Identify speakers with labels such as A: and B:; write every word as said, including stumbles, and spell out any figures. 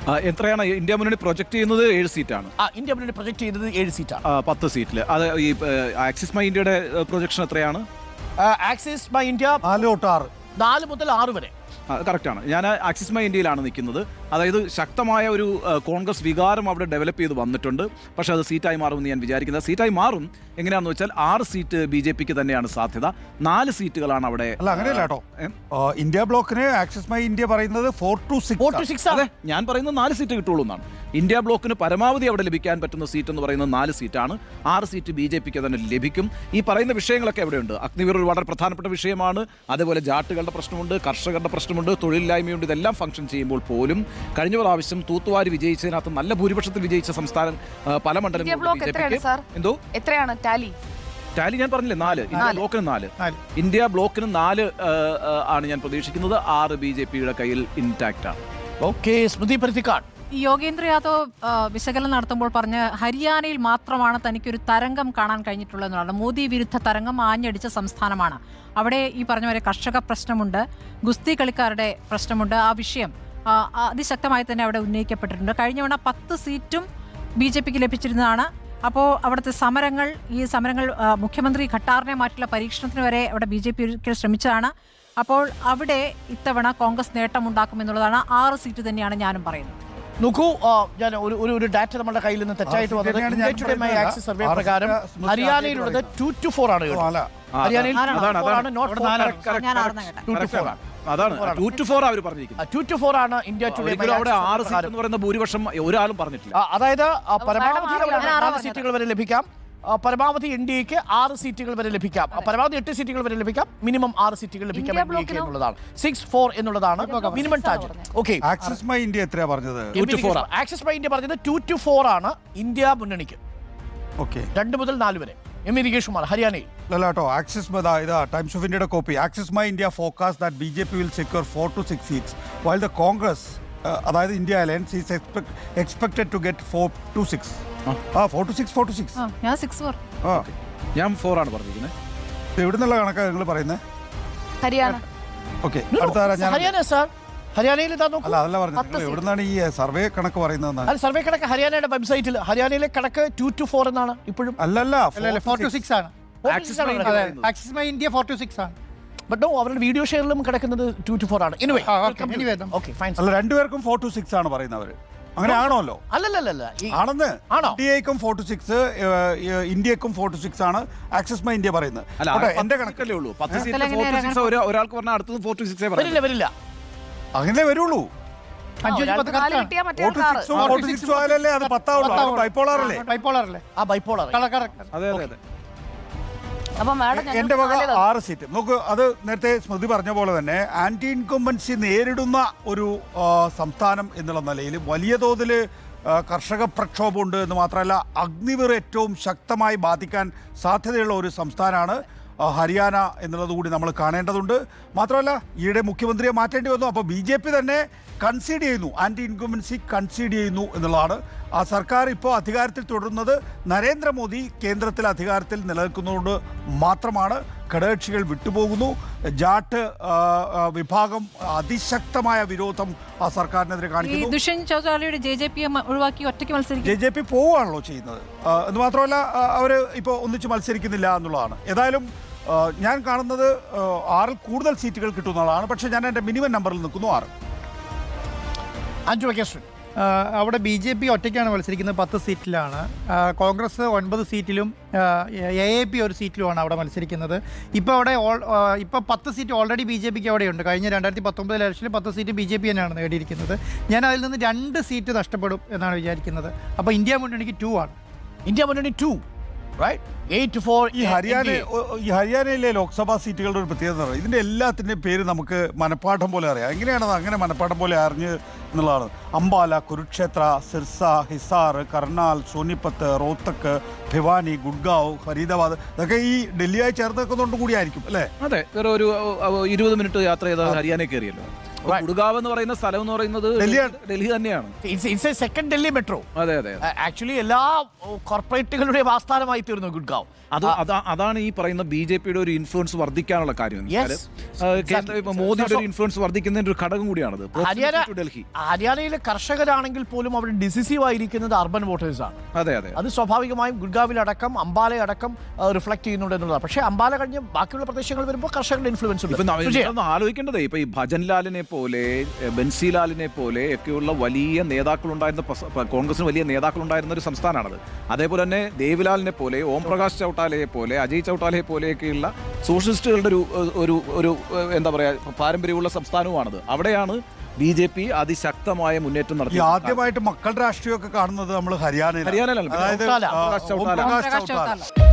A: എത്രയാണ് ഇന്ത്യ മുന്നണി പ്രൊജക്ട് ചെയ്യുന്നത്? ഏഴ് സീറ്റാണ്.
B: ഇന്ത്യ മുന്നണി പ്രൊജക്ട് ചെയ്യുന്നത് ഏഴ് സീറ്റാണ്,
A: പത്ത് സീറ്റിൽ. അത് ഈ ആക്സിസ് മൈ ഇന്ത്യയുടെ പ്രൊജക്ഷൻ എത്രയാണ്?
B: ആക്സിസ് മൈ ഇന്ത്യ
C: നാല് തൊട്ട് ആറ്
B: നാല് മുതൽ ആറ് വരെ.
A: കറക്റ്റാണ്. ഞാൻ ആക്സിസ് മൈ ഇന്ത്യയിലാണ് നിൽക്കുന്നത്. അതായത് ശക്തമായ ഒരു കോൺഗ്രസ് വികാരം അവിടെ ഡെവലപ്പ് ചെയ്ത് വന്നിട്ടുണ്ട്. പക്ഷേ അത് സീറ്റായി മാറുമെന്ന് ഞാൻ വിചാരിക്കുന്നത്. സീറ്റായി മാറും. എങ്ങനെയാണെന്ന് വെച്ചാൽ ആറ് സീറ്റ് ബി ജെ പിക്ക് തന്നെയാണ് സാധ്യത. നാല് സീറ്റുകളാണ് അവിടെ.
C: അല്ല, അങ്ങനെയല്ല കേട്ടോ. ഇന്ത്യ ബ്ലോക്കിന് ആക്സിസ് മൈ ഇന്ത്യ പറയുന്നത് ഫോർ ടു സിക്സ്.
A: അതെ, ഞാൻ പറയുന്നത് നാല് സീറ്റ് കിട്ടുള്ളൂ എന്നാണ്. ഇന്ത്യ ബ്ലോക്കിന് പരമാവധി അവിടെ ലഭിക്കാൻ പറ്റുന്ന സീറ്റ് എന്ന് പറയുന്നത് നാല് സീറ്റാണ്. ആറ് സീറ്റ് ബി ജെ പിക്ക് തന്നെ ലഭിക്കും. ഈ പറയുന്ന വിഷയങ്ങളൊക്കെ എവിടെയുണ്ട്? അഗ്നിവീർ ഒരു വളരെ പ്രധാനപ്പെട്ട വിഷയമാണ്. അതേപോലെ ജാട്ടുകളുടെ പ്രശ്നമുണ്ട്, കർഷകരുടെ പ്രശ്നമുണ്ട്, തൊഴിലില്ലായ്മയുണ്ട്. ഇതെല്ലാം ഫംഗ്ഷൻ ചെയ്യുമ്പോൾ പോലും കഴിഞ്ഞ പ്രാവശ്യം തൂത്തുവാരി വിജയിച്ചതിനകത്ത് നല്ല ഭൂരിപക്ഷത്തിൽ വിജയിച്ച സംസ്ഥാനം പല മണ്ഡലങ്ങളും എന്തോ എത്രയാണ് ടാലി ടാലി ഞാൻ പറഞ്ഞില്ലേ, നാല്. ഇന്ത്യ ബ്ലോക്കിന് നാല് ഇന്ത്യ ബ്ലോക്കിന് നാല് ആണ് ഞാൻ പ്രതീക്ഷിക്കുന്നത്. ആറ് ബി ജെ പിയുടെ കയ്യിൽ ഇൻടാക്റ്റ് ആണ്.
B: ഓക്കെ, സ്മൃതി പരുത്തിക്കാട്.
D: യോഗേന്ദ്ര യാദവ് വിശകലനം നടത്തുമ്പോൾ പറഞ്ഞ ഹരിയാനയിൽ മാത്രമാണ് തനിക്കൊരു തരംഗം കാണാൻ കഴിഞ്ഞിട്ടുള്ളതെന്നാണ്. മോദി വിരുദ്ധ തരംഗം ആഞ്ഞടിച്ച സംസ്ഥാനമാണ്. അവിടെ ഈ പറഞ്ഞ പോലെ കർഷക പ്രശ്നമുണ്ട്, ഗുസ്തി കളിക്കാരുടെ പ്രശ്നമുണ്ട്. ആ വിഷയം അതിശക്തമായി തന്നെ അവിടെ ഉന്നയിക്കപ്പെട്ടിട്ടുണ്ട്. കഴിഞ്ഞ തവണ പത്ത് സീറ്റും ബി ജെ പിക്ക് ലഭിച്ചിരുന്നതാണ്. അപ്പോൾ അവിടുത്തെ സമരങ്ങൾ, ഈ സമരങ്ങൾ മുഖ്യമന്ത്രി ഖട്ടാറിനെ മാറ്റിയുള്ള പരീക്ഷണത്തിന് വരെ അവിടെ ബി ജെ പി ഒരിക്കൽ ശ്രമിച്ചതാണ്. അപ്പോൾ അവിടെ ഇത്തവണ കോൺഗ്രസ് നേട്ടമുണ്ടാക്കുമെന്നുള്ളതാണ്. ആറ് സീറ്റ് തന്നെയാണ് ഞാനും പറയുന്നത്.
B: നോക്കൂ, ഞാൻ ഒരു ഒരു ഡാറ്റ നമ്മുടെ കയ്യിൽ നിന്ന് തെറ്റായിട്ട് വന്നത് ആക്സിസ് സർവേ പ്രകാരം ഹരിയാനയിലുള്ളത് ടു ടു ഫോർ ആണ്. ഹരിയാനയിൽ
A: അതാണ് ടു ടു ഫോർ അവർ പറഞ്ഞിരിക്കുന്നത്.
B: ടു ടു ഫോർ ആണ് ഇന്ത്യ ടുഡേ.
A: അവിടെ ആറ് സീറ്റ് എന്ന് പറയുന്ന ഭൂരിപക്ഷം ഒരാളും പറഞ്ഞിട്ടില്ല.
B: അതായത് പരമാവധി നാല് സീറ്റുകൾ വരെ ലഭിക്കാം, പരമാവധി എൻ ഡി എക്ക് ആറ് സീറ്റുകൾ വരെ ലഭിക്കാം, പരമാവധി എട്ട് സീറ്റുകൾ വരെ ലഭിക്കാം, മിനിമം ആറ് സീറ്റുകൾ ലഭിക്കാം എൻ ഡി എക്ക് എന്നുള്ളതാണ്. സിക്സ് ഫോർ എന്നുള്ളതാണ് minimum target. Okay,
C: axis my India എത്രയാ പറഞ്ഞത്?
B: ആക്സിസ് മൈ ഇന്ത്യ പറഞ്ഞത് ടു ടു ഫോർ ആണ് ഇന്ത്യ മുന്നണിക്ക്.
C: ഓക്കെ,
B: രണ്ട് മുതൽ നാല് വരെ. എം ഇ നികേഷ് കുമാർ, ഹരിയാനയിൽ.
C: അല്ല കേട്ടോ, ആക്സിസ് ഇതാ ടൈംസ് ഓഫ് ഇന്ത്യയുടെ കോപ്പി. Axis my India forecast that B J P will secure four two six seats while the Congress അതായത് India alliance is expected to get four two six. ആ four two six four two six
D: ഞാൻ six four
C: ആ
A: ഞാൻ four ആണ് പറഞ്ഞിരിക്കുന്നത്.
C: എവിടെ നിന്നുള്ള കണക്കാണ് നിങ്ങൾ പറയുന്നത്?
D: ഹരിയാന.
C: ഓക്കെ, അടുത്ത
B: ഹരിയാന സാർ. ഹരിയാനയിൽ
C: അല്ല അതല്ല പറഞ്ഞത്, എവിടുന്നാണ് ഈ സർവേ കണക്ക് പറയുന്നത്?
B: സർവേ കണക്ക് ഹരിയാനയുടെ വെബ്സൈറ്റിൽ ഹരിയാനയിലെ കണക്ക് ടു ടു ഫോർ എന്നാണ് ഇപ്പോഴും.
C: അല്ലല്ല,
E: ഫോർ ടു സിക്സ് ആണ്. Axis my India four two six ആണ്.
B: ബട്ട് അവരുടെ വീഡിയോ ഷെയറിലും കിടക്കുന്നത് ടു ടു ഫോർ ആണ്. Anyway okay fine.
C: അല്ല, രണ്ടുപേർക്കും ഫോർ ടു സിക്സ് ആണ് പറയുന്നവര്. അങ്ങനെ ആണോല്ലോ?
B: അല്ലല്ലല്ല,
C: ആണെന്ന്. ഇന്ത്യക്കും ഫോർ ടു സിക്സ്, ഇന്ത്യക്കും ഫോർ ടു സിക്സ് ആണ് ആക്സിസ് മൈ ഇന്ത്യ പറയുന്നത്.
A: എന്റെ കണക്കല്ലേ ഉള്ളൂ. പത്ത് സീറ്റ് ഒരാൾക്ക് പറഞ്ഞാൽ അടുത്തത് ഫോർ ടു സിക്സ്
B: വരില്ല വരില്ല
C: അങ്ങനെ വരുള്ളൂ. എന്റെ വക ആറ് സീറ്റ്. നോക്കൂ, അത് നേരത്തെ സ്മൃതി പറഞ്ഞ പോലെ തന്നെ ആന്റി ഇൻകംബൻസി നേരിടുന്ന ഒരു സംസ്ഥാനം എന്നുള്ള നിലയിൽ വലിയ തോതിൽ കർഷക പ്രക്ഷോഭമുണ്ട് എന്ന് മാത്രമല്ല അഗ്നിവീർ ഏറ്റവും ശക്തമായി ബാധിക്കാൻ സാധ്യതയുള്ള ഒരു സംസ്ഥാനമാണ് ഹരിയാന എന്നുള്ളത് കൂടി നമ്മൾ കാണേണ്ടതുണ്ട്. മാത്രമല്ല ഈയിടെ മുഖ്യമന്ത്രിയെ മാറ്റേണ്ടി വന്നു. അപ്പോൾ ബി ജെ പി തന്നെ കൺസീഡ് ചെയ്യുന്നു, ആൻറ്റി ഇൻകംബൻസി കൺസീഡ് ചെയ്യുന്നു എന്നുള്ളതാണ്. ആ സർക്കാർ ഇപ്പോൾ അധികാരത്തിൽ തുടരുന്നത് നരേന്ദ്രമോദി കേന്ദ്രത്തിൽ അധികാരത്തിൽ നിലനിൽക്കുന്നതുകൊണ്ട് മാത്രമാണ്. ഘടകകക്ഷികൾ വിട്ടുപോകുന്നു. ജാട്ട് വിഭാഗം അതിശക്തമായ വിരോധം ആ സർക്കാരിനെതിരെ കാണിക്കുന്നു. ജെ ജെ പി പോവുകയാണല്ലോ ചെയ്യുന്നത്. എന്ന് മാത്രമല്ല അവർ ഇപ്പോൾ ഒന്നിച്ച് മത്സരിക്കുന്നില്ല എന്നുള്ളതാണ്. ഏതായാലും ഞാൻ കാണുന്നത് ആറിൽ കൂടുതൽ സീറ്റുകൾ കിട്ടുന്നതാണ്. പക്ഷേ ഞാൻ എൻ്റെ മിനിമം നമ്പറിൽ നിൽക്കുന്നു ആറ്.
B: അഞ്ചു വെക്കേഷൻ
E: അവിടെ ബി ജെ പി ഒറ്റയ്ക്കാണ് മത്സരിക്കുന്നത്, പത്ത് സീറ്റിലാണ്. കോൺഗ്രസ് ഒൻപത് സീറ്റിലും എ എ പി ഒരു സീറ്റിലുമാണ് അവിടെ മത്സരിക്കുന്നത്. ഇപ്പോൾ അവിടെ ഇപ്പോൾ പത്ത് സീറ്റ് ഓൾറെഡി ബി ജെ പിക്ക് അവിടെയുണ്ട്. കഴിഞ്ഞ രണ്ടായിരത്തി പത്തൊമ്പത് ഇലക്ഷനിൽ പത്ത് സീറ്റ് ബി ജെ പി തന്നെയാണ് നേടിയിരിക്കുന്നത്. ഞാൻ അതിൽ നിന്ന് രണ്ട് സീറ്റ് നഷ്ടപ്പെടും എന്നാണ് വിചാരിക്കുന്നത്. അപ്പോൾ ഇന്ത്യ മുന്നണിക്ക് ടു ആണ്.
B: ഇന്ത്യ മുന്നണി ടു.
C: ഈ ഹരിയാന ഈ ഹരിയാനയിലെ ലോക്സഭാ സീറ്റുകളുടെ ഒരു പ്രത്യേകത, ഇതിൻ്റെ എല്ലാത്തിൻ്റെയും പേര് നമുക്ക് മനഃപ്പാഠം പോലെ അറിയാം. എങ്ങനെയാണത് അങ്ങനെ മനഃപ്പാഠം പോലെ അറിഞ്ഞ് എന്നുള്ളതാണ്. അംബാല, കുരുക്ഷേത്ര, സിർസ, ഹിസാർ, കർണാൽ, സോനിപത്ത്, റോത്തക്ക്, ഭിവാനി, ഗുഡ്ഗാവ്, ഫരീദാബാദ്, ഇതൊക്കെ ഈ ഡൽഹിയായി ചേർത്ത് വെക്കുന്നതുകൊണ്ട് കൂടിയായിരിക്കും അല്ലേ?
A: അതെ, വേറെ ഒരു ഇരുപത് മിനിറ്റ് യാത്ര ചെയ്താൽ ഹരിയാനയിൽ കയറിയല്ലോ. ഗുഡ്ഗാവ് എന്ന് പറയുന്ന സ്ഥലം എന്ന് പറയുന്നത്
C: ഡൽഹിയാണ്.
A: ഡൽഹി തന്നെയാണ്.
B: It's a second Delhi metro.
A: അതെ അതെ
B: ആക്ച്വലി എല്ലാ കോർപ്പറേറ്റുകളുടെയും ആസ്ഥാനമായി തീർന്നു ഗുഡ്ഗാവ്.
A: അത് അതാ- അതാണ് ഈ പറയുന്ന ബി ജെ പിയുടെ ഒരു ഇൻഫ്ലുവൻസ് വർദ്ധിക്കാനുള്ള കാര്യം.
B: Yes.
A: കേന്ദ്ര ഇപ്പൊ മോദിയുടെ ഒരു ഇൻഫ്ലുവൻസ് വർദ്ധിക്കുന്നതിന്റെ ഒരു ഘടകം കൂടിയാണത്.
B: Haryana
A: Proximity to Delhi.
B: ഹരിയാനയിലെ കർഷകരാണെങ്കിൽ പോലും അവിടെ ഡിസിസീവ് ആയിരിക്കുന്നത് അർബൻ വോട്ടേഴ്സ് ആണ്.
A: അതെ അതെ
B: അത് സ്വാഭാവികമായും ഗുഡ്ഗാവിലടക്കം അംബാലയടക്കം റിഫ്ലക്ട് ചെയ്യുന്നുണ്ട് എന്നുള്ളതാണ്. പക്ഷേ അംബാല കഴിഞ്ഞ് ബാക്കിയുള്ള പ്രദേശങ്ങൾ വരുമ്പോൾ കർഷകരുടെ ഇൻഫ്ലുവൻസ് ഉണ്ട്.
A: ഇപ്പൊ ന-
B: സുജയ,
A: നമ്മളൊന്ന് ആലോചിക്കേണ്ടത് ഇപ്പൊ ഈ ഭജൻലാലിനെ പോലെ ബൻസിലാലിനെ പോലെ ഒക്കെയുള്ള വലിയ നേതാക്കളുണ്ടായിരുന്ന പസ- പ- കോൺഗ്രസിന് വലിയ നേതാക്കളുണ്ടായിരുന്ന ഒരു സംസ്ഥാനമാണത്. അതേപോലെ തന്നെ ദേവിലാലിനെ പോലെ ഓം പ്രകാശ് ചൗട്ടാലയെ പോലെ അജയ് ചൗട്ടാലയെ പോലെയൊക്കെയുള്ള സോഷ്യലിസ്റ്റുകളുടെ ഒരു ഒരു ഒരു എന്താ പറയാ പാരമ്പര്യമുള്ള സംസ്ഥാനവുമാണത്. അവിടെയാണ് ബി ജെ പി അതിശക്തമായ മുന്നേറ്റം
C: ഈ
A: നടത്തി.
C: ആദ്യമായിട്ട് മക്കളുടെ രാഷ്ട്രീയമൊക്കെ കാണുന്നത് നമ്മൾ ഹരിയാനയിൽ
A: ഹരിയാനയിലാണ്.
C: അതായത്
B: ചൗട്ടാല.
C: ആ,
A: ഓം പ്രകാശ്
C: ഓം പ്രകാശ്
D: പ്രകാശ്
C: ചൗട്ടാല
D: ചൗട്ടാല.